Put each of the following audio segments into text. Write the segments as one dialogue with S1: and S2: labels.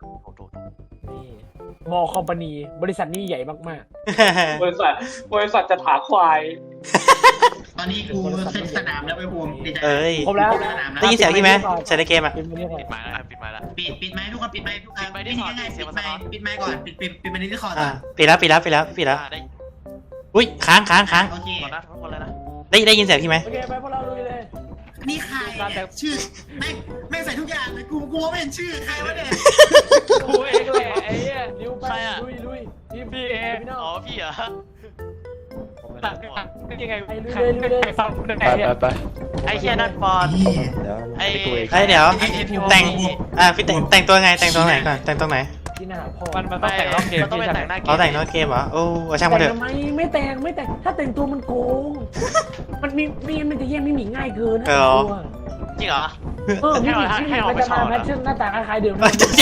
S1: นี่มอคอมพานีบริษัทนี้ใหญ่มาก
S2: บริษัทจะถาควาย
S3: ตอนนี้กูเซ็ตสนามแล้วไปภูมิดีใจ
S4: เอ้ย
S1: ๆครบแล้ว
S3: สนามแล้ว
S4: ได้ยินเสียงพี่ไหมใช้ในเกมอ่ะ
S1: เป็นไปได้ไง
S5: ปิดไม้แล้วปิดไม้แล้ว
S3: ปิดไม้ทุกคนปิดไม้ทุกคนปิดง่ายๆปิดไม้ก่อนปิดไม้ที่คอก่
S4: อ่า
S3: อน
S4: ปิดแล้ว
S5: ได้
S4: อุ้ยค้าง
S3: โอเค
S5: หมดนะทั้งหมดเลยนะ
S4: ได้ยินเสียงพี่ไหม
S1: โอเคไปพวกเราลุยเลย
S3: นี่ใครชื่อแม่งใส่ทุกอย่างเลยกูไม่เห็นชื่อใครวะเนี่ย
S1: กูเองแหละไอ้เหี้ยนิ้วไปลุยพี่เอพี่น้อง
S5: อ๋อพี่เหรอ
S1: ตัดยังไงใครฟังไหนเนี่ย
S5: ไอ้เฮียนั่นปอนไอ้
S4: เดี๋ยวแต่งพี่แต่งตัวไงแต่งตัวไหนก่อนแต่งตัวไหน
S1: ที่หน้าพ่อ
S5: มันต้องแต่งรอบเกมมันต้องไปแต่งหน้าเกม
S4: เขาแต่งนอกเกมเหรอโอ้ช่างมันเถ
S1: แต่
S4: อะ
S1: ทำไมไม่แต่งถ้าแต่งตัวมันโกงมันมันจะแย่งไม่หนีง่ายเกิน
S5: จริงเหรอ
S1: มันจะมาแพทเทิร์นหน้าตาคล้ายเดิม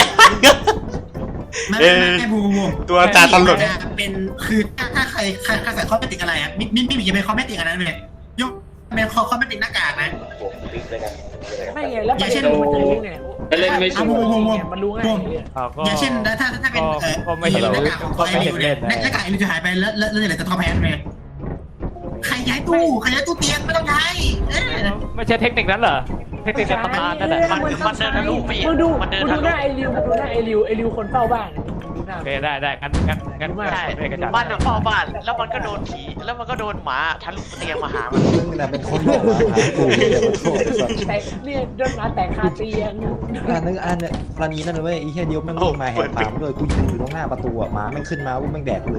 S3: ไม่บู
S4: ตัวตาตลก
S3: เป็นคือถ้าใครใส่คอมเมติกอะไรอ่ะไม่จะเป็นคอมเมติกอันนั้นเลยยกเป็นคอมเมติกหน้ากากนะ
S1: ไม่ไงแล้วประเด็นมันจะรู้ไง
S2: เล่นไม่ชัวร์
S1: มันรู้ง่าย
S3: อย่างเช่นถ้าเป็นหน้ากากของไอริวเนี่ยหน้ากากไอริวจะหายไปแล้วเหลือแต่ทอแพนเลยใครย้ายตู้เตียงไม่ต้องย้าย
S6: ไม่ใช่เทคนิคนั้นเหรอเทคนิคในตำนานนั่นแหละ
S5: มันเดินทะลุปี
S1: มึงดูหน้าไอริวคนเฝ้าบ้านดูหน้า
S6: โอเคได้งั้น
S5: ใช่
S6: ไม่กระจาย
S5: บ้านเฝ้าบ้านแล้วมันก็โดนผีแล้วมันก็โดนหมาทะลุเตียงมาหามัน
S7: มึงน่ะเป็นคนบอกมาหากูอย่ามาโทษไอ้สัส
S1: แต่เนี่ยโดนหมาแตกคาเตียง
S7: อันเนี่ยกรณีนั่นเลยเว้ยไอ้เหี้ยเดียวแม่งวิ่งมาแหกปากด้วยกูยืนอยู่ตรงหน้าประตูอ่ะหมาแม่งขึ้นมาวุ้แม่งแดกเลย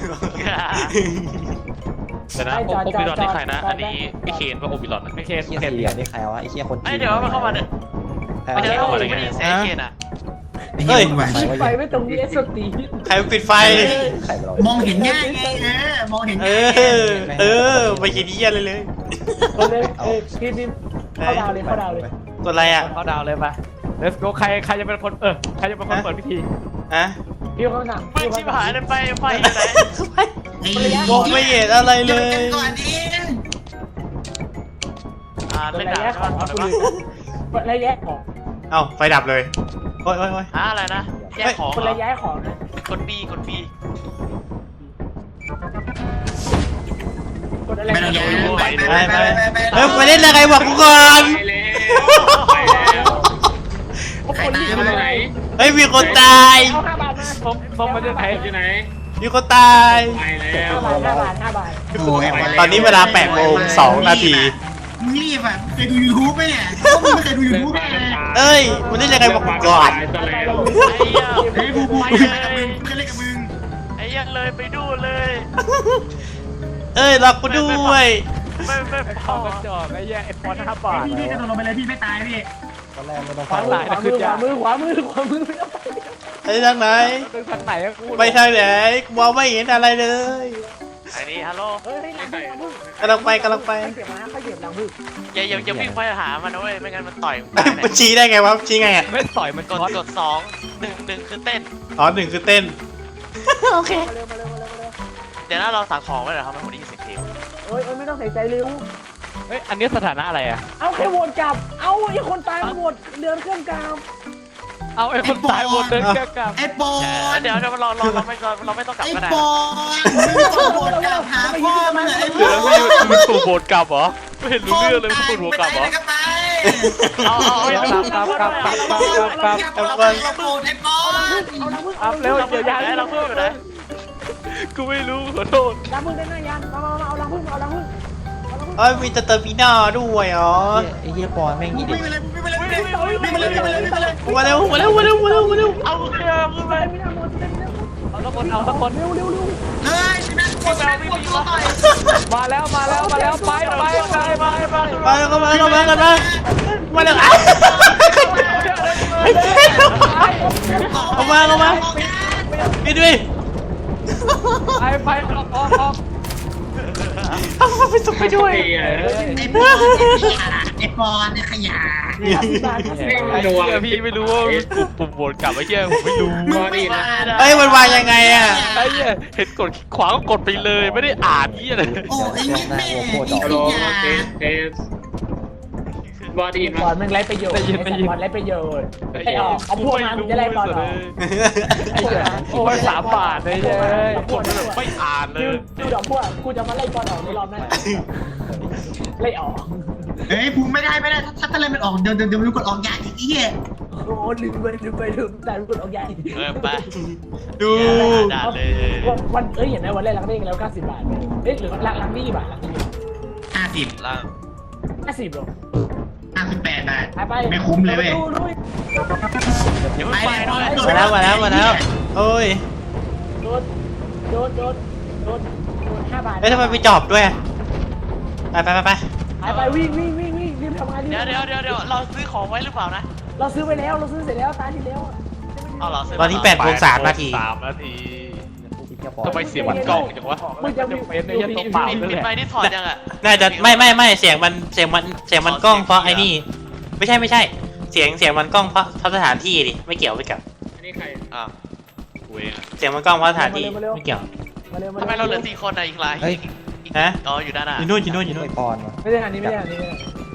S6: แต่นะโอปิรอนนี่ใครนะอันนี้พี่เคนป่ะโอปิรอนไม่เคน
S7: ไอ้เหี้ยเสียนี่ใครวะไอ้เหี้ยคน
S5: ไอ้เดี๋ยวมันเข้ามาเนี่ย
S7: ใคร
S5: ไม่
S7: วะ
S5: ได้เข้ามาเลยไม่ได้เสียเคนอ่ะ
S4: เฮ้ย
S1: ไฟไม่ตรงนี้สตี
S4: ใครปิดไฟ
S7: ใครเรา
S3: มองเห็นง่ายไงมองเห็น
S4: เอ
S3: ง่าย
S4: ไม่คิดที่ยันเลย
S1: คนเลยพี่เข้าดาวเลย
S4: กดอะไรอ่ะ
S6: เข้าดาวเลยป่ะ let's go ใครจะเป็นคนใครจะเป็นคนเปิดพิธี
S4: ฮะ
S1: พี่เขาหนัก
S5: มึงชิบหายเลยไปอยู่ไหน
S4: มองไม่เห็นอะไรเลย
S3: ก่อนนี้
S1: ระ
S5: เล่น
S1: ยะ
S5: ดาบ
S1: ของ
S5: ก่อน
S1: ระยะของ
S4: เอ้าไฟดับเลยโอ้ย
S5: อะไรนะแยกของ
S1: คนระยะของนะ
S5: กด B
S1: กดอะไร
S3: ไม่ต้องย้าย
S4: เฮ้ยมาเล่นอะไรบอกกูก่อน
S3: ใครตายมา
S2: ไหน
S4: เฮ้ยมีคนตาย
S1: เอา5 บาทมา
S6: ผมมาเล่นไทย
S2: อยู่ไหน
S4: มีคนตาย
S2: ไปแล้ว
S1: 5 บาท
S3: โอ้ย
S4: ตอนนี้เวลา8 โมง 2 นาที
S3: มึงรีบอ่ะเคยดู YouTube ไหมเนี่ยมึงไม่เคยดู YouTube ไหม
S4: เอ้ยมาเล่นอะไรบอกกูก่อน
S2: ตายแล้ว
S5: ไอ้เหี้ย
S3: เฮ้ยบูเคยเล่นกับมึงเคยเล่นกับมึง
S5: ไอ้เหี้ยเลยไปดูเลย
S4: เอ้ยรอกูด้วย
S5: ไม่พ
S6: เข้า
S5: อก
S6: ระจอกไอ้แย่ไอ้ฟอน5 บาท
S3: พี่กระโดดลงไปเลยพี่ไม่ตายพี่
S7: ตอนแรกไม่ต้อง
S1: ขวามือไม่ต้องไป
S4: ไปทางไหน
S6: ตึงทางไหนอะกู
S4: ไปทางไหนมองไม่เห็นอะไรเลย
S5: ไอ้นี่ฮัลโหล
S1: เฮ้ยหลังพึ่ง
S4: กำลังไป
S1: เขาเก็บมาเขาเก็บหลังพึ่ง
S5: อย่าวิ่งไปหามันนะเว้ยไม่งั้นมันต่อย
S4: มันชี้ได้ไงวะชี้ไงอ่ะ
S6: ไม่ต่อยมัน
S5: ก
S6: ช็อต
S5: ด2 1คือเต้น
S4: อ๋อ1คือเต้น โอเค
S1: มาเร็ว
S5: เดี๋ยวเราสั่งของไว้เหรอครับมันได้ยินเสียงเพลง
S1: เอ้ยไม่ต้องใส่ใจเร็ว
S6: เฮ้ยอันนี้สถานะอะไรอะ
S1: เอาแค่โหวตกลับเอาไอ้คนตายมาโหวตเดินเครื่องกลาง
S6: เอาไอ้คนตายหมดเดินแก้กลับ
S3: ไอ้ปอน
S5: เดี๋ยวเราไม่ต้องกลับ
S3: ไอ้
S5: ก็ได้
S3: ปอนไม่ต้องโดนกลับหาพ่อมึงไอ้ป
S6: เดี๋ยว
S3: อน
S6: มึงถูกโหวตกลับเหรอไม่เห็นรู้เรื่องเลยมึงถูกโหวตกลับเหรอ
S3: ก็ไป
S5: เอา
S6: อัพเร็วเดี๋ยวยา
S5: เราเพิ่มอยู่ไหน
S6: กูไม่รู้ขอโทษ
S1: ล้างพึ่งได้หน้ายันมาเอาล้างพึ่ง
S4: เอ้ยมีเตอร์ปีน่าด้วยอ๋อ
S7: ไอ้เหี้ยปอนแม่งอีเด็ก
S4: มาเร็ว
S5: เอาเครื่องขึ้นไป
S6: เอาสักคน
S1: เร็ว
S3: เฮ้ยนั่นกดต่อย
S6: มาแล้วไป
S4: มาแล้วมาแล้วเอามาพี่ด้วย
S6: ไปออก
S4: เอาไปส่งไปด้วย
S3: ไอ้ปอนเนี่ยขยะ
S6: ไอ้เหี้ยพี่ไม่รู้ว่าปุ่มโหวตกลับไอ้เหี้ยผมไม่รู้
S2: มาดินะ
S4: เอ้ยมันวางยังไงอ่ะ
S6: ไอ้เหี้ยเห็นกดขวาก็กดไปเลยไม่ได้อ่านเหี้ยเลย
S3: โอ้ไอ้แม่
S2: ฮัลโหลเทสบอดี
S1: บอลมันไร้ประโยชน์บอลไร้ประโยชน์ไอ้ออกเอาพวกมันจะไล่บอลออก
S6: โอ้ย3 บาทเลยคนแบบไม่อ่านเลย
S1: ดูดอกพวกกูจะมาไล่บอลออกในรอบนั้นไล่ออก
S3: เฮ้ยภูมิไม่ได้ถ้าเล่นมันออกเดี๋ยวมันกดออกยากอีกเหี้ย
S1: โอ้ลืมแต่รู้กดออกใหญ่
S5: ไป
S4: ดู
S5: ด่าเลย
S1: วันเห็นไหมวันแรกลังได้แล้ว90 บาทเอ้ยหรือลังนี่บาทลังนี่
S3: 50
S5: ล่าง
S1: 50หรอ
S3: 58 บาท
S1: ไป
S3: ไม่คุ้มเลยเว้ย
S5: เดี๋ยวไม่ไปหน่อย
S4: มาแล้วโอ้ย
S1: โดน5 บาท
S4: เอ้ยทำไมไปจอบด้วยไป
S1: วิ่งรีบทำงาน
S5: เดี๋ยวเราซื้อของไว้หรือเปล่านะ
S1: เราซื้อไปแล้วเราซื้อเสร็จแล้วตาที่แล้ว
S5: เอาเหรอซื้อ
S4: ตอนที่8 โมง 3 นาที
S6: 3 นาทีทำไมเสียงมันกล้องจังวะ
S1: มึงจะมี
S6: เฟซเนี่ยตัวเปล่าเลย
S5: ปิด
S6: แห
S5: ไม
S6: ละ
S5: ค์นี่ถอดยังอ่ะ
S4: น่าจะไม่เสียงมันกล้องเพราะไอ้นี่ไม่ใช่เสียงมันกล้องเพราะสถานที่ดิไม่เกี่ยวกับ
S2: อันนี้ใคร
S5: อ่ะกูเองอะ
S4: เสียงมันกล้องเพราะสถานที่ไม่เกี่ยว
S5: ทำไมเราเหลือ4 คนอะอีกหลาย
S7: เฮ้ย
S4: ฮะ
S5: อ๋ออยู่ด้านหน้า
S4: อยู่นู่น
S7: ไอปอนวะ
S1: ไม่ใช่อันนี้ไม่ใช่อันนี้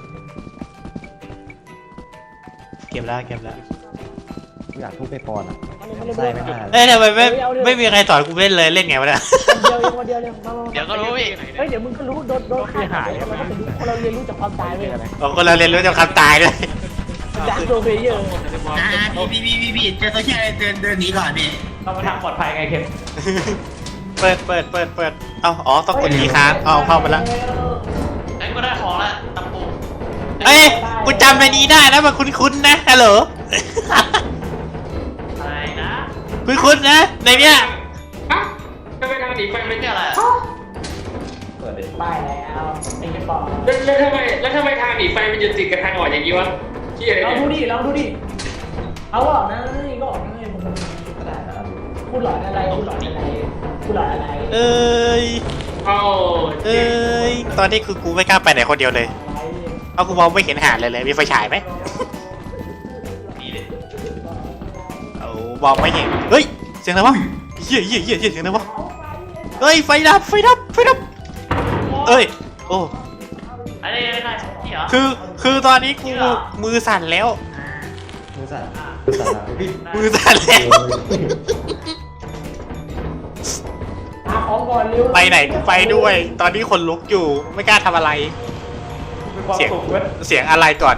S4: เก็บแล้ว
S7: กูอยากทุบไอปอนอ่ะใส่ไม่ได้
S4: เอ้ยทำไมไม่มีใครสอนกูเล่นเลยเล่นไงวะเนี่ย
S1: เดียว
S5: เดี๋ยวก็รู้พี่
S1: เฮ้ยเดี๋ยวมึงก็รู้โดนฆ่าหายเราก็เป็นคนเราเรียนรู้จากความตายเว้ย
S4: ผมก็เราเรียนรู้จากคำตายด้วย
S1: จากโดนเพลเยอร์
S3: พี่เจอตัวเชี่ยเดินหนีก่อนพี่
S1: เรามาทางปลอดภัยไงเคน
S4: เปิดอ๋อต้องกดทีค้างเอาเข้ามาแล้ว
S5: ไอ้กูได้ของละตะปู
S4: เอ้ยกูจำในนี้ได้นะมันคุ้นๆนะฮัลโหล
S5: อะไรนะ
S4: คุ้นๆนะในเนี้ย
S2: ฮะทำไมทางหนีไฟ
S5: ไม่
S2: ไม่
S5: ใช่
S2: ได้
S5: อะไรอะ
S7: เปิดเลย
S1: ป้ายแล้วไอ้เคนบอก
S2: แล้วทำไมทางหนีไฟมันอยู่ติดกับทางออกอย่างนี้วะที่อะไร
S1: เรา
S2: เนี่ย
S1: ดูดิเอาออกนะนี่ก็ออกนะพูดหลอนอะไร
S4: เอ้ย
S2: เอา
S4: ตอนนี้คือกูไม่กล้าไปไหนคนเดียวเลยเพราะกูมองไม่เห็นหาดเลยมีไฟฉายไหม
S5: มีเลย
S4: เอามองไม่เห็นเฮ้ยเสียงอะไรวะเหี้ยเสียงอะไรวะเฮ้ยไฟดับเอ้ยโอ้
S5: อะไรที่เหรอ
S4: คือตอนนี้กูมือสั่นแล้ว
S7: มือสั่น
S4: มือสั่นแล้ว
S1: หาของก่อนเร็ว
S4: ไปไหนกูไปด้วย ตอนนี้คนลุกอยู่ไม่กล้าทำอะไรเสียงอะไรก่อน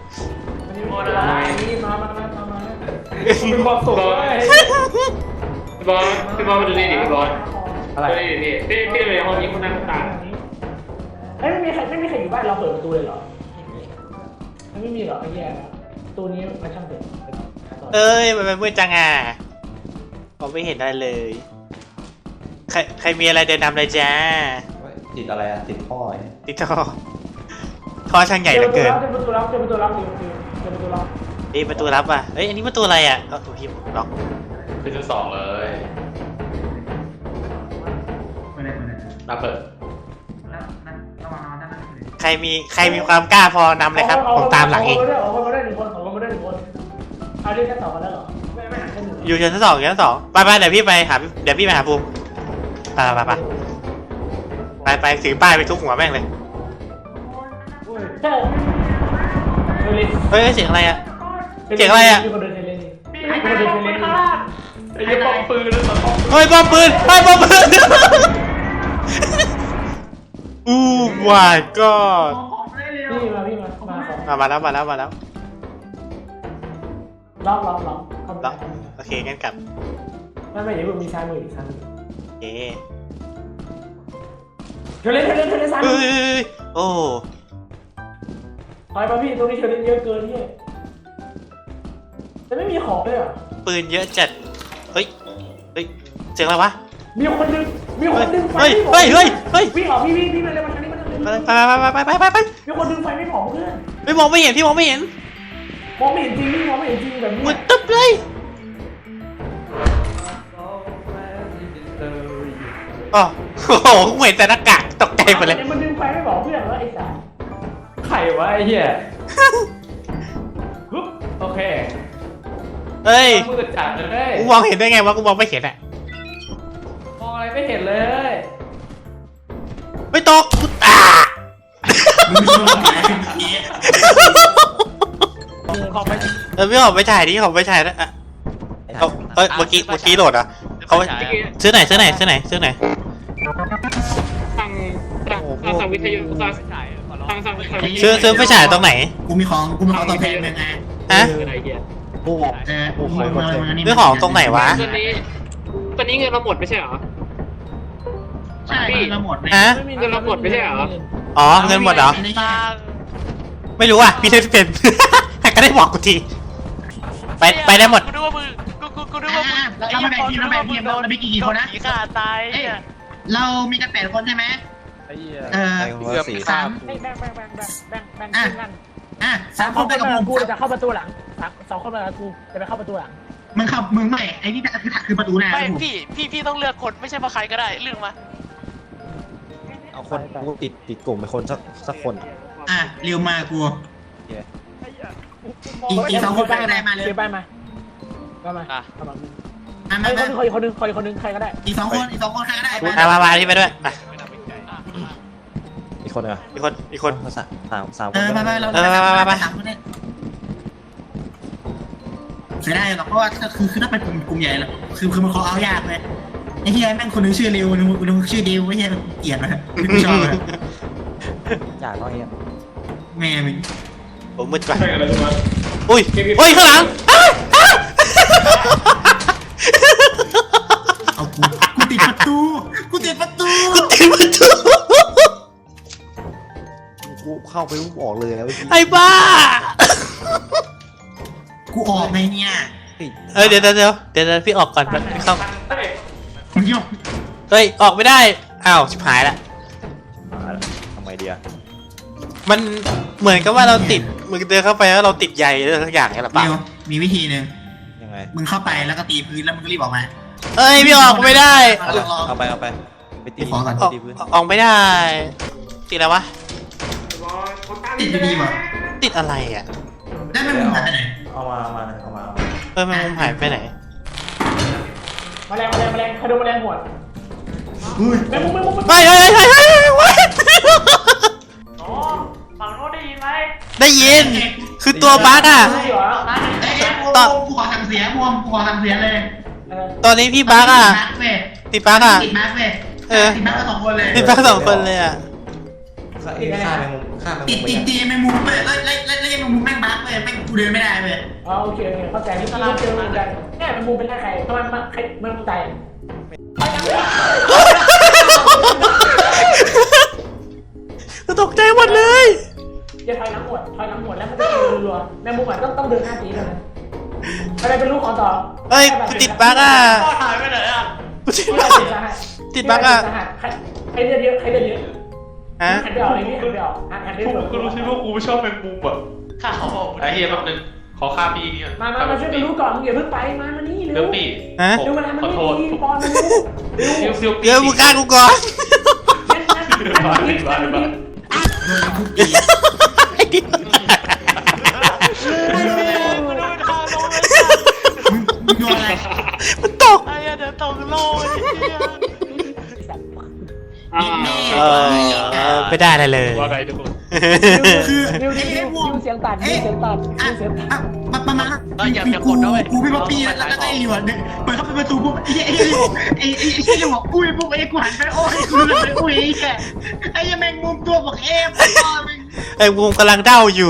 S1: นี่มา
S2: เป็นความสุขเลยพี่บอลมาดูนี่ดิพี่บอล
S1: อะไร
S2: พี่เลยห้องนี้คนนั่งตา
S1: ไม่มีใครอยู่บ้านเราเปิดประตูเลยเหรอไม่มีหรอไอ้แย่ตัวนี้มาช่างเปิด
S4: เอ้ยมันเป็นมืดจังอ่ะผมไม่เห็นอะไรเลยใครมีอะไรเดินนำเลยจ้า
S7: ติดอะไรอ่ะติดพ่อไอ้
S4: ติดท่อช่างใหญ่เหลือเกิน
S1: เจอประตูลับ
S4: นี่ประตูลับอ่ะเอ้ยอันนี้ประตูอะไรอ่ะโอ้โหพี่ล็อก
S6: เป็นที่2เลยน่าเปิด
S4: ใครมีความกล้าพอนำเลยครับผมตามหลังเอง
S1: ออกมาได้1 คนเอาเรียกแค่2 คนแล้วเหรอไม่หาแค่1
S4: อยู่ชั้น 2ไปเดี๋ยวพี่ไปหาภูมิไปถือป้ายไปทุบหัวแม่งเลยเฮ้ยเสียงอะไรอ่ะ
S1: มีคนเดินเทเลนนี่
S6: ไอ้ป้อมปืนแล้วป้อม
S4: เฮ้ยบอมปืนอู้ my god
S1: พี่มา
S4: มาแล้ว
S1: ล็อก
S4: โอเคงั้นกลับ
S1: ไม่เดี๋ยวมีซ้ายมืออีกซ้ายมือ
S4: โอเค
S1: เทเลนซ้าย
S4: เฮ้ยโอ้
S1: ถอยมาพี่ตรงนี้เทเลนเยอะเกินพี่แต่ไม่มีของเลยอ่ะ
S4: ปืนเยอะจัดเฮ้ยเสียงอะไรวะ
S1: มีคนดึงไฟ
S4: เฮ้ย
S1: วิ่งออกพี่มาเลยมาทางนี้
S4: ไป
S1: มีคนดึงไฟไม่ของเพื่อน
S4: ไม่มองไม่เห็นพี่มองไม่เห็น
S1: มองไม่เห็นจริงพี่มองไม่เห็นจริงแบบนี้
S4: มืดตึ๊บเลยอ๋อโอ้โหกูเห็นแต่หน้ากากตกใจหมดเลย
S1: มันดึงไฟไม่บอกเพื่อนว่าไอ้สัส
S6: ไข่วะไอ้เหี้ยโอเค
S4: เฮ้ย
S6: มือจัดเลย
S4: กูมองเห็นได้ไงวะกูมองไม่เห็นอ่ะ
S6: มองอะไรไม่เห็นเลย
S4: ไม่ตกกูตา
S3: มึงชอบอะไร
S6: ขอไป
S4: พี่ขอไปถ่ายดิขอไปถ่ายนะอ่ะเอาเมื่อกี้โหลดอ่ะเขาซื้อไหนทางวิทยุทางซื้อไฟฉายตรงไหน
S3: กูมีของตัวแพงเลยไง
S4: ฮะ
S7: โอ้โห
S4: ซื้อของตรงไหนวะ
S2: ตอนนี้เงินเราหมดไม่ใช่เหรอ
S3: ใช่เราหมดเลย
S4: ฮะ
S2: เงินเราหมดไม่ใช่เหรอ
S4: อ๋อเงินหมดเหรอ
S5: ตาง
S4: ไม่รู้อ่ะพี่เล่นไม่เป็น ก็ได้บอกกูทีไปได้หมด
S5: กูนึกว่ามึงกูนึกว่ามึง
S3: เราแบ่งทีมเรามีกี่คนนะ
S5: ผีขาตายเนี่ย
S3: เรามีกัน8 คนใช่ไหม
S6: ไอ้เหี้ย
S7: เกือบสี่
S3: สาม
S1: แบ่งทีมกัน
S3: 3 คนไปกับผม
S1: กูจะเข้าประตูหลัง2 คนไปกับกูจะไปเข้าประตูหลัง
S3: มึงใหม่ไอ้นี่คือประตูหน้า
S5: ไม่พี่ต้องเลือกคนไม่ใช่มาใครก็ได้เลือกมา
S7: เอาคนกูติดกลุ่มไปคนสักคน
S3: เร็วมากูอีก2 คนก็ได้มาเลย
S1: เดี๋ยวไปมาก็มา
S5: อ่ะ
S1: เข้ามา
S3: มา
S1: ไอ้คนนึงใครก็ได้
S3: อีก2 คนใครก็ได้
S4: มาที่ไปด้วยมา
S7: อีกคนเหรอ
S4: อีกคน
S7: สามค
S3: เอน อเรา3 คนเนี่ยเสียดายหรอกเพราะว่าคือถ้าเป็นกลุ่มใหญ่แล้วคือมันขอเอายากเลยไอ้เฮียแม่งคนนึงชื่อเร็วนึงชื่อเดวไอ้เฮียเกลียดเลยไม่ชอบเลย
S7: อยากน้อยเอง
S3: แม่มึง
S4: ผมมืดกว่า
S2: ใช่อะไรรู้ไหม
S4: อุ้ยข้างหลัง
S3: เอากูติดประตู
S7: กูเข้าไปปุ๊บออกเลยแล้ว
S4: ไอ้บ้า
S3: กูออกไงเนี่ย
S4: เดี๋ยวพี่ออกก่อนพี่เข้า
S3: มึงยก
S4: เฮ้ยออกไม่ได้อ้าวชิบหายละ
S7: ทำไมดีอะ
S4: มันเหมือนกับว่าเราติดมึงเดินเข้าไปแล้วเราติดใยอะไรสักอย่างนี่หรือเปล่า
S3: เดี๋ยวมีวิธีหนึ่ง
S7: ยังไง
S3: มึงเข้าไปแล้วก็ตีพื้นแล้วมึงก็รีบออกมา
S4: เอ้ยพี่ออกไม่ได้
S7: เอาไปไปตี
S3: ขอก่อน
S7: ตีพื้น
S4: ออกไม่ได้ติดอะไรวะ
S3: ติดอยู่ดีป่ะ
S4: ติดอะไรอ่ะ
S3: ได้ไหมมึงหายไปไหน
S7: เอามา
S4: แมงมุมหายไปไหน
S1: แมลงใครโดนแมลงหวด
S3: อุ้ย
S1: แมงมุม
S4: เฮ้ย
S5: อ๋อฝั่งโน้นได้ยินไหม
S4: ได้ยิน คือตัวบั๊กอ่ะ
S1: ใช่เหรอ
S3: กูขอทำเสียกูขอทำเสียเลย
S4: ตอนนี้พี่บั๊กอ่ะ ติดบั๊กอ่ะ
S3: ติดมาร์คเว้ย
S4: เออ
S3: ติดมาร์คก็2 คนเลย
S4: ติดบั๊ก2 คนเลยอ่ะ
S7: ฆ่าแมงมุม
S3: ติดแมงมุมเว้ยแล้วแมงมุมแม่งบั๊กเว้ยแม่งกูเดินไม่ได้เว้ย
S1: อ๋อโอเคเข้าใจที่เราเจอเหมือนกันเนี่ยแมงมุมเป็นใครทำไมใครมันตาย
S4: ตกใจหมดเลย
S1: จะถอยหลังหมดแล้วมันจะรัวแมงมุมอ่ะต้องเดิน5 ทีเท่านั้นอะไรเป็นลูกขอต่อ
S4: เฮ้ยกูติดบั๊กอ่ะ
S5: พ่อหายไปไหนอ่ะ
S4: กูติดบั๊กติดบั๊กอ่ะ
S1: ใครเลือดเยอะ
S4: ฮะ
S1: หันไปออกไอ้นี่หันไปออกหันไปออก
S2: กูรู้ใช่ว่ากูไม่ชอบแมงมุมอ่ะ
S5: ข้าเขาบอก
S2: ไอ้เฮียแป๊บนึงขอค่าพี่เนี่ย
S1: มาช่วยกันรู้ก่อนอย่าเพิ่งไปมานี่เร็
S2: เรื่อ
S1: ว
S2: งปี
S4: ฮะ
S1: เร็วมาแล้วมัน
S2: ขอโทษ
S1: นี่ปอนมันรู้เร็ว
S2: ซิว
S4: เดี๋ยวมึงฆ่ากูก่อน
S3: ทุกที
S4: ไอ้เหี้ย
S5: กูโดนทางลงเลย
S3: มึงโดนอะไร
S4: มันตก
S5: ไอ้เหี้ยเดี๋ยวตกโลกไอ้เหี้ย
S4: ไม่ได้อะไรเลย
S2: ว่าไงทุกคน
S3: คือ
S1: เร็วเสียงตัด
S3: ประมาณกูพี่ป๊อปปี้แล้วก็ไอ้หลิวเนี่ยเปิดเข้าไปประตูปุ๊บไอ้หลิวบอกอุ้ยปุ๊บไอ้กูหันไปโอ้ยกูเลยอุ้ยไอ้แมงมุมตัวบอกเอฟ
S4: ไอ้วงกำลังเด้าอยู่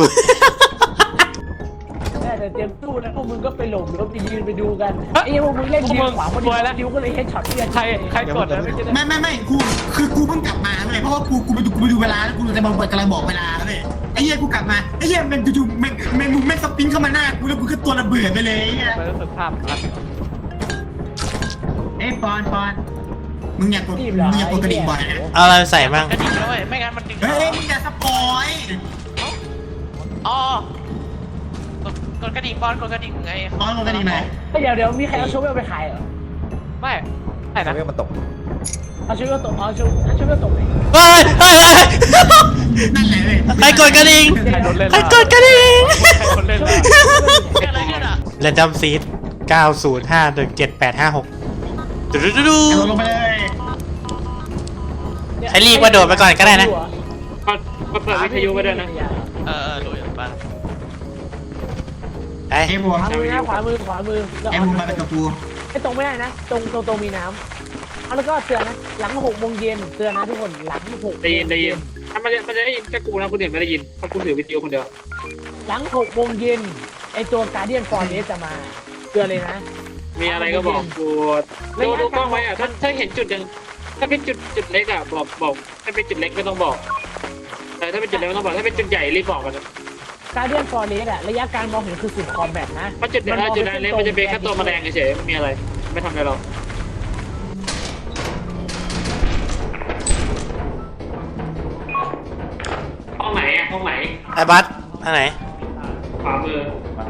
S1: แต่เตรียมตู้แล้วพวกมึงก็ไปหลบแล้วไปยืนไปดูกันไอ้พวกมึงเล่นยิงขวาพอดีแล้วดิวก็เลยเฮดช็อตที่
S6: ใครกดแล้วไม่ใช่
S3: ไม่กูคือกูเพิ่งกลับมาเลยเพราะว่ากูไปดูเวลาแล้วกูจะกำลังบอกเวลาเลยไอ้เหี้ยกูกลับมาไอ้เหี้ยมันจู่ๆแมงมุมแม่งสปินเข้ามาหน้ากูแล้วกูก็ตัวระเบิดไปเลยไอ้เหี้ย
S6: มันรู้สึกภาพชัด
S3: เอ้ยปอนมึงอยากกดกระดิ่งบ่อยนะ
S4: เอาอะไรใส่บ้าง
S5: กระดิ่งแล้วเว้ยไม่งั้นมันดึง
S3: เฮ้ยมึงอย่าสปอย
S5: อ๋อกดกระดิ่งบอลกดกระดิ่งไง
S3: ปอนกดกระดิ่งไหน
S1: เดี๋ยวมีใครเอาโชเวลไปขายเหรอ
S6: ไม่ใช่นะ
S7: เรื่องมันตก
S1: เอาโชเวลตกเอาโชเวลตกไหน
S4: เฮ้ย
S3: นั่นแหละเลย
S4: ใครกดกระดิ่ง
S6: ใครโดนเล่น
S4: ใครกดกระดิ่ง
S6: ใครคนเล่นล่ะ
S5: เกิดอะไรขึ้นอ่ะ
S4: เรนดัมซีด9051785 6ดู
S3: เอาลงไปเลย
S4: ใช้รีบว่าโดดไปก่อนก็ได้นะ
S2: ก็เปิดวิทยุไปด้วยนะ
S5: รู้อย่างบ้าง
S4: ไอ้
S3: ไอ้บัว
S1: ขวามือนะขวามือแล้ว
S3: ไอ้บัวมาเป็นกับกู
S1: ไอ้ตรงไม่ได้นะตรงมีน้ำเอาแล้วก็เตือนนะหลัง6 โมงเย็นเตือนนะทุกคนหลัง6
S2: ได้ยินถ้ามันจะได้ยินแค่กูนะคนอื่นไม่ได้ยินเพราะกูถือวิดีโอคนเดียว
S1: หลัง6 โมงเย็นไอ้ตัวการเดียนฟอร์เรสจะมาเตือนเลยนะ
S2: มีอะไรก็บอกกูดูกล้องไว้อะถ้าเห็นจุดยังถ้าเป็นจุดเล็กอะบอกถ้าเป็นจุดเล็กไม่ต้องบอกแต่ถ้าเป็นจุดเล็กไม่ต้องบอกถ้าเป็นจุดใหญ่รีบบอกกันนะ
S1: การเดียนฟอร์เรสอะระยะการมองเห็นคือ10 คอมแบทนะ
S2: เพราะจุดเล็กมันจะเป็นแค่ตัวแมลงเฉยๆไม่มีอะไรไม่ทำอะไรหรอกห้องไหนอะห้องไหน
S4: ไอ้บัสทางไหน
S2: ขวามือ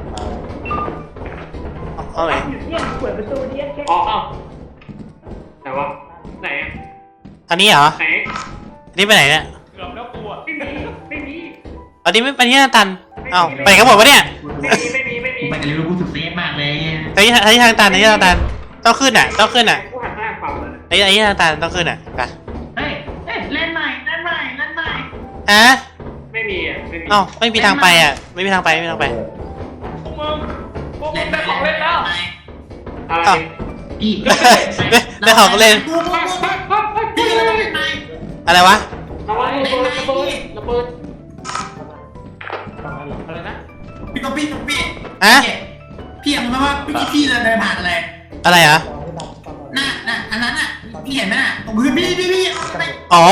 S4: ห้องไหน
S1: เนี่ยเปิดประตูเนี่ยแค่
S2: อ๋อไหนวะไหนอะ
S4: อันนี้เหรอ
S2: ไหน
S4: อันนี้ไปไหนเนี่ย
S2: เกือบแล้วกูอะไม่มี
S4: อันนี้ไม่ไปที่หน้าตันเอ้าไปกันหมดปะเนี่ย
S2: ไม่มี
S3: ไปกันเลยรู้กูสุดเซฟมากเลย
S4: ไอ้ที่ทางตันไอ้ที่ทางตันต้องขึ้นอ่ะต้องขึ้นอ่ะ
S2: กูหันหน้าขวาเลย
S4: ไอ้ที่ทางตันต้องขึ้นอ่ะไป
S3: เฮ้ยเล่นใหม่
S4: ฮะ
S2: ไม่มีอ่ะไม่มี
S4: เอ้าไม่มีทางไปอ่ะไม่มีทางไปไม่มีทางไป
S2: พวกมึงได้ของเล่นแล้วอะไร
S3: พี่
S4: ได้ของเล่นอะไรวะ
S2: ระเบิดอะไรนะ
S3: พี่ก็พี่
S4: ฮะ
S3: พี่เห็นไหมว่าพี่เดินผ่านอะไร
S4: อะไรเหรอ
S3: น่ะอันนั้นอ่ะพี่เห็นไหมน่ะตรงพื้นพี่
S4: อ๋อ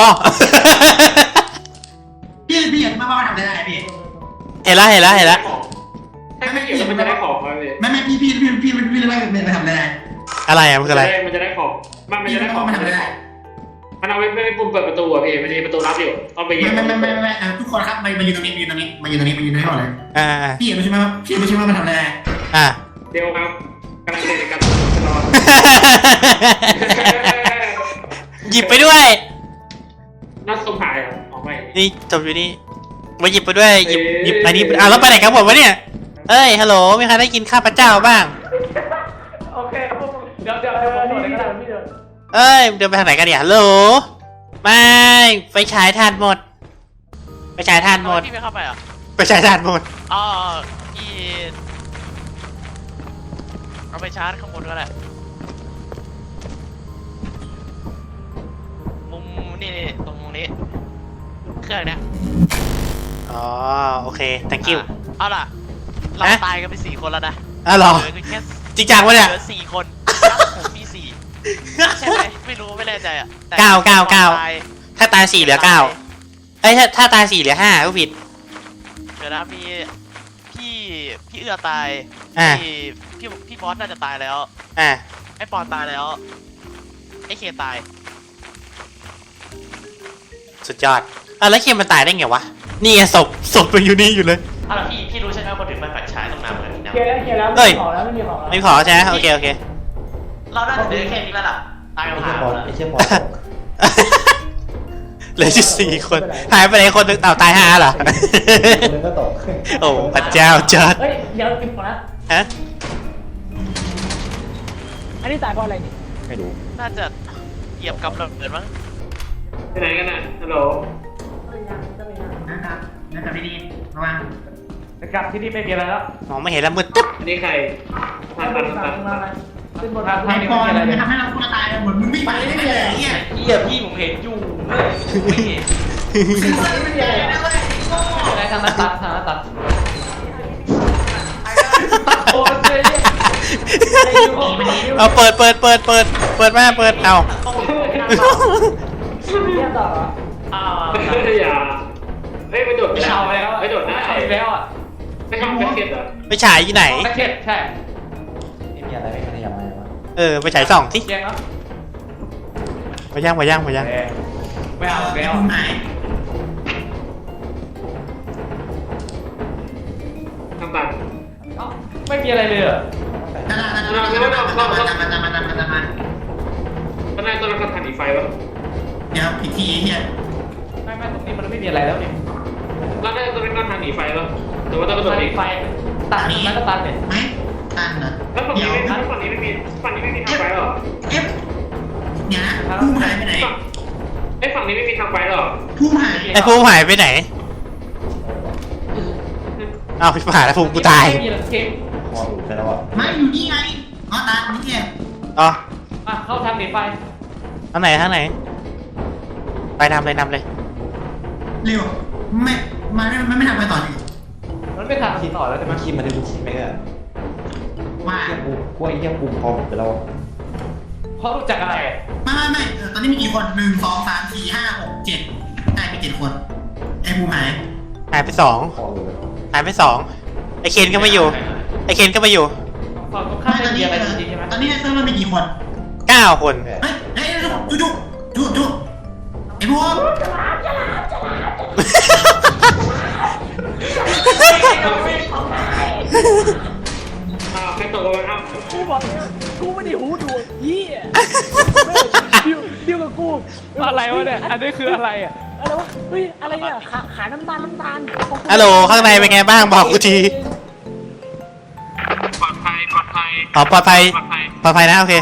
S3: พี่เห็นไหมว่าทำได้พี่
S4: เห็นแล้ว
S2: ถ้าไม่เกี่ยวมันจะได้ของมาเลย
S3: ไม่พี่เลยว่ามันทำได้
S4: อะไรอ่ะมันคืออะไร
S2: มันจะได้ของมันจะได้ของ
S3: มันทำได้
S2: มันเอาไว้ไม่ปุ่มเปิดประตูอ่ะพี่มันมีประตูลับอยู่เอาไปยิง
S3: ไม่ทุกคนครับมายืนตรงนี้หมดเลย
S4: อ่า
S3: พี่เห็นไม่ใช่ว่ามันทำได้
S4: อ่า
S2: เดี๋ยวครับกำลังเล่นกันนอน
S4: หยิบไปด้วย
S2: น่าสงหายอ่ะออกไป
S4: นี่จบอยู่นี่มาหยิบไปด้วยหยิบอันนี้อ่ะแล้วไปไหนกันหมดวะเนี่ยเอ้ยฮัลโหลมีใครได้กินข้าพเจ้าบ้าง
S1: โอเคพวกมึงเดี๋ยวผมโดดเลยก็ได้พี่เดิน
S4: เอ้ยเดินไปทางไหนกันเนี่ยฮัลโหลไม่ไฟฉายทานหมดไฟฉายทานหมด
S5: พี่ไม่เข้าไปเหรอ
S4: ไฟฉายทานหมด
S5: อ๋อพี่เอาไปชาร์จข้างบนก็ได้มุมนี่ตรงนี้เครื่องเนี้ย
S4: อ๋อโอเค thank you
S5: เอาล่ะเราตายกันไป4 คนแล้วนะ
S4: อ่ะหรอ
S5: เหลือแค่
S4: จริงจังวะเนี่ย
S5: เหลือ4 คนผมมี4ใช่ไหมไม่รู้ไม่แน่ใจอ่ะแต่
S4: เก้า
S5: ตาย
S4: ถ้าตาย4เหลือ9เอ้ยถ้าตาย4เหลือ5ก็ผิด
S5: เดี๋ยวนะมีพี่เอื้อตาย
S4: อ่ะ
S5: พี่บอสน่าจะตายแล้ว
S4: อ่ะ
S5: ไอ้ปอนตายแล้วไอ้เคตาย
S4: สุดยอดอ่ะแล้วเคียมมันตายได้ไงวะนี่ไงศพมันอยู่นี่อยู่เลย
S5: อ้าวแล้วพี่รู้ใช่ไหมคนถึงมาแฟลชฉายตรงน้ำเหมือนกันนะ
S1: เคลียร์แล้ว
S4: เฮ้
S1: ไม่
S4: ย
S1: มีของแล้วไม่มีของแล้ว
S4: ไม่ขอใช่ไหมโอเค
S5: เราน่าจะเดินแค่นี้แล้วล่ะตายกัน
S7: ไอ้
S5: ผ่า
S7: เชี่ย
S5: น
S7: บอล
S5: แล้ว
S7: ไอ้เชี่ยบอลตก
S4: เหลือ4 คนหายไปไหนคนนึงอ้าวตาย5เหรอ
S7: คนนึงก็ตก
S4: โอ้พระเจ้าจัด
S1: เฮ้ยเดี๋ยวกินก่อนนะ
S4: ฮะ
S1: อันนี้ตายเพราะอะไรนี่
S7: ไม่รู้
S5: น่าจะเหยียบกับระเบิดมั้ง
S2: ไปไหนกันน่ะฮัลโหล
S3: นะครับพี่ดีระวัง
S1: กลับที่นี่ไม่มีอะไรแล้ว
S4: มองไม่เห็นแล้วมืดตึ๊บ
S2: อันนี้ใครผ่าน
S1: ขึ้นบน
S3: ไอ้บอลมันทำให้เราคนตายเหมือนมึงไม่ไปได้เลยเนี่ย
S6: เหี้ยพี่ผมเห็นอยู่ไม่เห็น
S3: ไม่มีอะไรนะเว้ย
S6: ได้ทางหน้าตัดโอ้ย
S4: เอาเปิดมาเปิดเอา
S1: เรียบต่อเหรอ
S6: อ้าว
S2: อย่าเฮ้ยไปโดด
S6: ไม่เอาไปแล้ว
S2: ไปโดดนะ
S6: เอาไปแล้วอ่ะ
S2: ไม่ทำแบ็คเก็ตเหรอ
S4: ไปฉายที่ไหน
S6: แบ็คเก็ตใช่
S7: ไม่มีอะไรไม่ขยับมาเลยวะ
S4: ไปฉายส่องที่
S6: แย่งแล้ว
S4: มาย่าง
S6: ไม่เอาแล้ว
S3: คุณหาย
S2: ทำตัด
S6: ไม่มีอะไรเลยเหรอ
S3: นั่น
S2: ตอนแรกตอนแรกก็ทันอีไฟวะ
S3: เดี๋ยวอีกทีเฮีย
S6: ไม่ตรงนี้มันไม่มีอะไรแล้วนี่
S2: ตอนแรกตอนแรกก็ทันอีไฟวะแต่ว่าต้องกระโดดอีก
S6: ไฟตัดแล้วก็ตัดเนี่ย
S3: ไหมตันเหรอ
S2: แล้วฝั่ง
S3: เดี๋
S2: นี้
S3: ยว
S2: ไม่ฝั่งนี้ไม่มีฝั่งนี้ไม่มีทางไฟหรอ
S3: เอฟเนี่ยนะพุ่มหายไปไหน
S2: ไอ้ฝั่งนี้ไม่มีทางไฟหรอ
S3: พุ่มหาย
S4: ไอ้ภูมิหายไปไหนอ้าวพี่ผ่าแล้วภูมิกูตาย
S6: ไม่มีเกม
S7: อหลุดไปแล้วอ่ะ
S3: ไม่อยู่นี่ไงอ๋อตานี่ไง
S4: อ๋อ
S1: อ่ะเข้าทางหนีไฟ
S4: ทางไหนทางไหนไปนำเลยนำเลย
S3: เร็วไม่ไม่ทำไปต่อดิ
S1: มันไม่ทางต่อแล้วใช่ไหม
S7: มันคิดมาได้กูคิดไหมอ่ะ
S3: ว่า
S7: เฮียกูกล้วยเฮียกูพอหมดไปแล้ว
S1: เพราะรู้จักอะไร
S3: ไม่ตอนนี้มีกี่คน1 2 3 4 5 6 7ได้ไป7 คนไอ้ภูมิหาย
S4: หายไปสอง
S7: พอหลุดไปแล้ว
S4: หายไปสองไอเคนก็ไม่อยู่ไอเคนก็ไม่อยู่
S1: ฝั่งตรงข้ามไม่มีอะไรจริงๆใช่ไหม
S3: ตอนนี้ในเซิร์ฟมันมีกี่คน
S4: 9 คน
S3: เฮ้ยดูไอ้ภูมิ
S2: ใครตกลงมาครับ
S1: กูบอกเลยกูไม่ได้หูหนวกเหี้ยดิวกับกูอะไรวะเนี่ยอันนี้คืออะไรอ่ะอะไรวะเฮ้ยอะไรอ่ะขาน้ำตาล
S4: ฮัลโหลข้างในเป็นไงบ้างบอกกูที
S2: ปลอดภัยปลอดภัย
S4: อ๋อปลอดภัย
S2: ปลอดภัย
S4: ปลอดภัยนะโอเค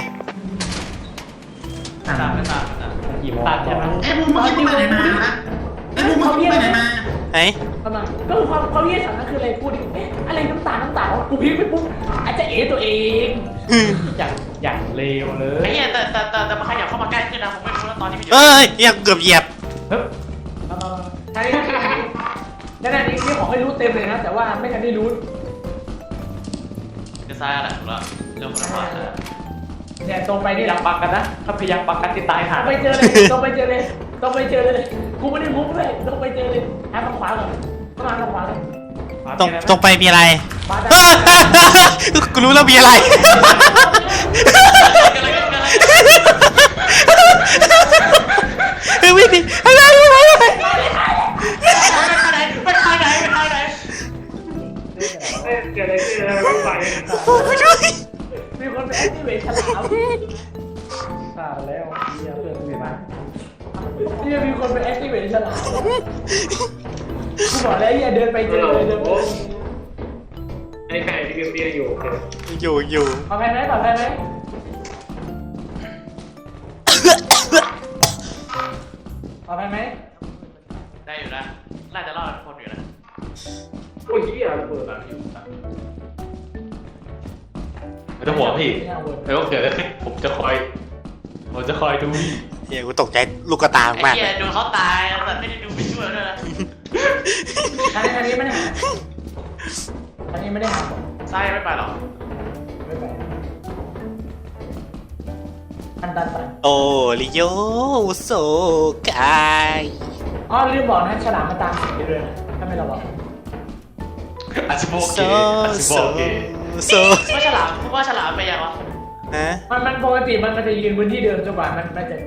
S7: กี่โมง
S1: ตัดใช่ไหม
S3: ไอ้ภูมิมึงไปไหนมาไอ้ภูมิมึงไปไหนมา
S4: ไหน
S1: ประมาณก็คือความเยี่ยฉันนั่นคืออะไรพูดดิเอ๊ะอะไรน้ำตาลกูพลิกไปปุ๊บอาจจะเอ๋ตัวเองอย่างเลวเลย
S5: ไอ้เหี้ยแต่มันขยับเข้ามาใกล้ขึ้นนะผมไม่รู้แล้วตอนนี้มันอยู่
S4: เอ้ยเกือบเหยียบ
S1: ใช่นั่นนี่ขอให้รู้เต็มเลยนะ แต่ว่าไม่ทันได้รู้
S5: เดี๋ยวซ้ายอะไรถูกแล้วเรื่องคนละฝั่งนะ
S1: เนี่ยตรงไปนี่พยายามปักกันนะถ้าพยายามปักกันติดตายหาไปเจอเลยต้องไปเจอเลยกูไม่ได้มุกเลยต้องไปเจอเลยหาทางขวาก่อนต้องหาทางขวาเลย
S4: ตรงไปมีอะไร
S1: มาได้
S4: กูรู้แล้วมีอะไร คือวิ่งดิอะไร
S5: ไปทางไหน
S2: เกิดอะไรขึ้นรถไฟ
S1: มีคนไปแอคทีเวทฉลามตายแล้วเดี๋ยวเปิดคุยมาเนี่ยมีคนไปแอคทีเวทฉลามกูบอกแล้วอย่าเดินไปเจอเลยเดินไป
S2: ไอ้ไข่ที่เบี้ยอยู่
S4: อยู่
S1: ปลอดภัยไหมปลอดภัยไหมปลอดภัยไหม
S5: ได้อยู่นะน่าจะรอดคนอยู่นะ
S2: โอ้ยเหี้ยระเบิดอะ
S6: ไม่ต้องห่วงพี่ไม่ว่าเกิดอะไรขึ้นผมจะคอยดู
S4: เฮียกูตกใจลูกกระตา
S5: ไอ้
S4: มาก
S5: เหี้ยดูเขาตายแต่ไม่ได้ดูไปช่วยด้วยนะ
S1: ทางนี้ไม่ได้หาทางนี้ไม่ได้หา
S5: ซ้ายไม่ไปหรอก
S1: ไม่ไปตัน
S4: โอ้ลิโยโซกาย
S1: อ๋อลืมบอกนะฉลามมาตามสีด้วยนะถ้าไม่เราบอก
S6: อาชิโบ
S4: โซ
S6: เก
S4: โซ
S5: ว่าฉลามว่าฉลามไปยังวะ
S4: ฮะ
S1: มันปกติมันจะยืนบนที่เดิมจนกว่ามันจะ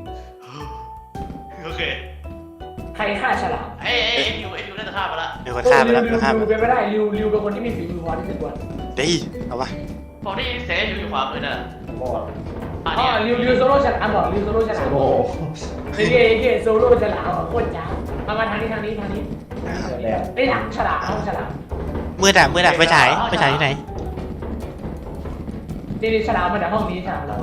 S5: โอเค
S1: ใครฆ่าฉลาม
S5: ไอ้ดิวน่าจะฆ่าไปละ
S4: มีคนฆ่าไปแล้ว
S1: ริว
S4: ฆ่าไป
S1: เป็นไม่ได้ริวเป็นคนที่มีฝีมือพอที่จะกวน
S4: ดีเอาวะ
S5: ผมได้ยินเสียงอยู่ขวามือน่ะ
S7: บอด
S5: อ่ะ
S1: อ๋อ
S5: เนี่ย
S1: ริวโซโล่ฉลามบอกริวโซโล่ฉลาม
S7: โอ้โห
S1: เย่โซโล่ฉลามโคตรจ้ามาทางนี้ไอ้หลังฉลามห้องฉลาม
S4: มืดอะไปฉายที่ไหน
S1: นี่ฉลามมาจากห้องนี้ฉลามเรา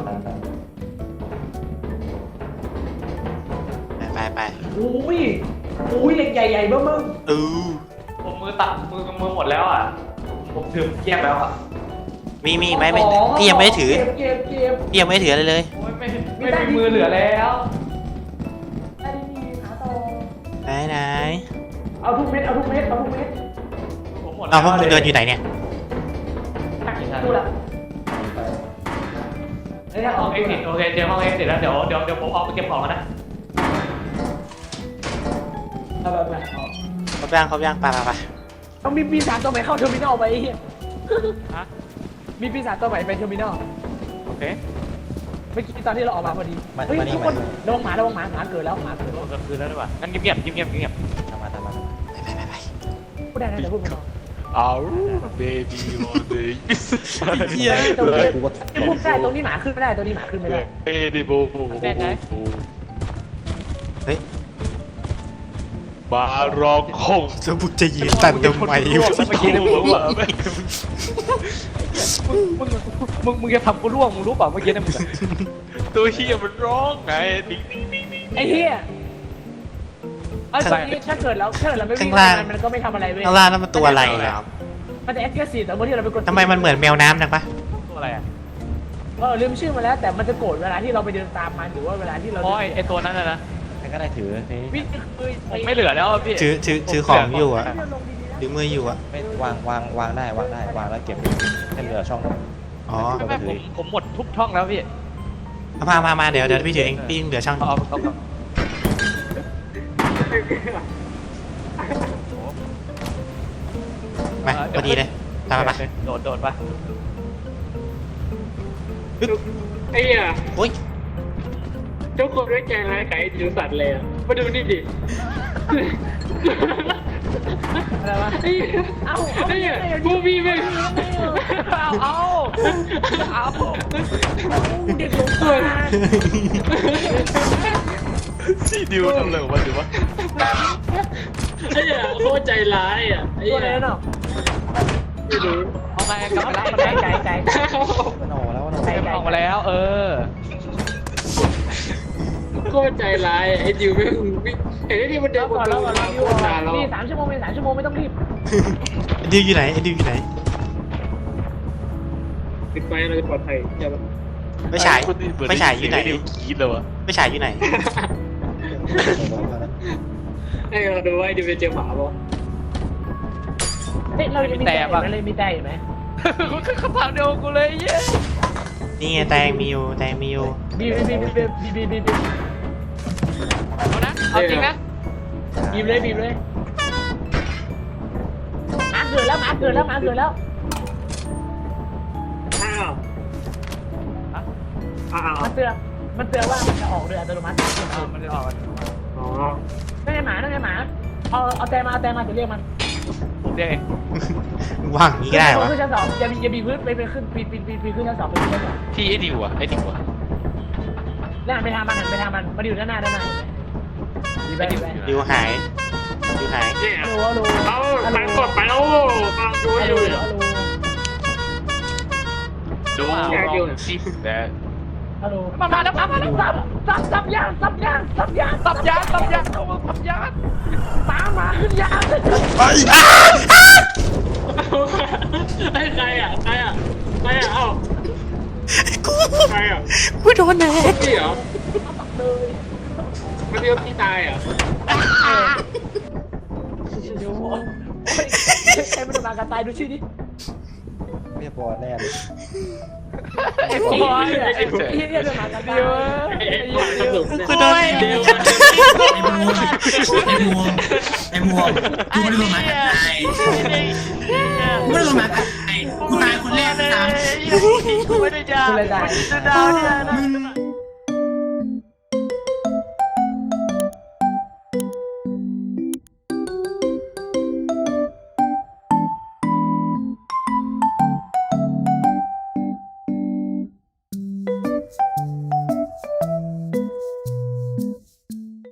S4: ไป
S1: อุ้ยเหล็กใหญ่ๆเบ้อ
S6: ผมมือตัดมือหมดแล้วอ่ะผมถือเกียบแล้วอ่ะ
S4: มีไหมพี่ยังไม่ได้ถือ
S1: เก็บ
S4: พี่ยังไม่ได้ถืออะไรเลย
S6: โอ้ยไม่มีมือเหลือแล้ว
S1: ได้ดีขาโต
S4: ไหน
S1: เอาทุกเม็ด
S6: ผมหมด
S4: เอาพวกมึงเดินอยู่ไหนเนี่ย
S1: ดูละไอ้ถ้าอ
S6: ห้
S1: อ
S6: อก งเอ็กซิสโอเคเจอห้องเอ็กซิสแล้วเดี๋ยวผมออกไปเก็บของกันนะ
S1: เอาแบบ
S4: ครบยังไป
S1: ต้องมีปีศาจตัวใหม่เข้าเทอร์มินอลไปมีปีศาจตัวใหม่ไปเทอร์มินอล
S6: โอเค
S1: เมื่อกี้ตอนที่เราออกมาพอดีเฮ้ยทุกคนระวังหมาหมาเกิดแล้วหมาเกิด
S6: กลางคืนแล้วดีกว่างั้นเงียบ
S7: ทำมา
S4: ไป
S1: พูดได้นะแต่พูดไม่ได้
S6: เอาเบบี้วอเดย์
S7: กูก็
S1: พูดได้ตรงนี้หมาขึ้นไม่ได้ตรงนี้หมาขึ้นไม่ได้
S6: เบบี้บู
S4: เฮ้ย
S6: บารองคง
S4: จะบุกจะยืนตันทำไมอยู่
S6: เมื่อกี้เนี่ยผมว่า
S1: มึงจะทำกูร่วงมึงรู้เปล่าเมื่อกี้เนี่ยมึง
S6: ตัวเฮียมันร้องไงดิ้ง
S1: ไอ้เหี้ยตอนนี้ถ้าเกิดเราไม่วิ่งมันก็ไม่ทำอะไรเว้ย
S4: ข้างล่างนั่นมันตัวอะไรครับ
S1: มันจะแอคทีฟแต่เมื่อที่เราไปกด
S4: ทำไมมันเหมือนแมวน้ำจังปะ
S6: ตัวอะไรอ่ะ
S1: ลืมชื่อมาแล้วแต่มันจะโกรธเวลาที่เราไปเดินตามมันหรือว่าเวลาที่เรา
S6: โอ้ยไอตัวนั้นนะ
S7: ใครก็ได้ถือนี่
S1: วิ่งคือ
S6: ผมไม่เหลือแล้วพี่
S4: ถือของอยู่อะถือมืออยู่อะ
S7: ไม่วางได้วางแล้วเก็บให้เหลือช่อง
S4: อ๋อ
S6: ไม่ผมหมดทุกช่องแล้วพี่
S4: มาเดี๋ยวพี่ถือเองพี่เหลือช่าง
S6: เอา
S4: มาพอดีเลยตามมา
S6: โดดไป
S2: ไอ้เหี้ย
S4: โอ้ย
S2: ทุกคนด้วยใจร้ายไก่จิ๋วสัตว์เลยอะมาดูนี่ดิ
S1: อะไรวะ
S2: ไอ้เหี้ยไอ้เหี้ยกูมีไหม
S6: เอา
S1: เด็กหลงทาง
S6: พี่ดิวทำเลยของมันดิวะ
S2: ไอ้เหี้ยโคตรใจร้ายอ่ะไอ้
S1: ตัว
S2: เหี้
S1: อะไร
S2: ย
S1: เนาะ
S2: ไม่รู้
S6: เอาไงกลับมาแล้ว
S1: ไก่ไก่
S7: มันออกแล้วมันออก
S6: ออกมาแล้ว
S2: โคตรใจร้ายไอ้ดิวไม่วิ่งไอ้ที่มันเดินบน
S1: แล้ว
S2: ตัว
S1: ก่อน
S2: โคตรนานแล้ว
S1: มี3 ชั่วโมงไม่ต้องรีบ
S4: ดิวอยู่ไหนดิวอยู่ไหน
S2: ปิดไฟเราจะปลอดภัยใช่ปะ
S4: ไม่ฉายอยู่ไหน
S6: ดิวคิดเลยวะ
S4: ไม่ฉายอยู่ไหน
S2: ให้เราดูว่าไอ้ดิวจะเจอหมาปะ
S1: เฮ้ยเราจะมีแต่เลยมีแต่ไหม
S6: คำถามเดียวกูเลยเย้
S4: นี่ไงแตงมีอยู่
S1: บี
S6: เอานะเอาจริงนะ
S1: เลยมาเกิดแล้ว
S2: อ้าว
S1: มันเตือนว่ามันจะออกเรืออัตโนมัติ
S6: มันจะออก
S2: อ๋อ
S1: นั่นไงหมาเอาแต่มาจะเรียกมัน
S6: ผมเรียกเอง
S4: ว่างนี้ก็ได้วะ
S1: ขึ้นชั้น 2อย่าบีพื้นไปขึ้นปีขึ้นชั้น 2ไปขึ้นชั้น 2
S6: ที่ไอ้ดิวอ่ะ
S1: แล้วหันไปทางมันมาอยู่ด้านหน้าดีไป
S4: ดิวหาย
S2: เนี่ย
S1: รู้
S2: เอาตังกดไปแล้วฟังดูอยู่
S6: ดูสิแต่
S1: ฮัลโหลมาแล้วซับยางมาขึ้นยาง
S2: ไอ้ใครอ่ะเอ้า
S4: กูโดนแน่
S2: พี่เหรอมันเดียวพี่ตายอ่ะ
S1: ใครไม่ได้มากันตายดูชื่อดิ
S7: เรียบร้อยแน่เลย
S1: ไอ้พวกไอ้เหี้ยมากันตาย
S4: กูโดน
S2: เดียว
S3: ไอ้มัวกูไม่ได้ลงมากับใครกูไม่ได้ลงมากับใครกูตายคนแรกตาม
S6: ไม่ได้จ้า
S1: กูเลยตาย
S6: ดาวเนี่ย
S3: มึง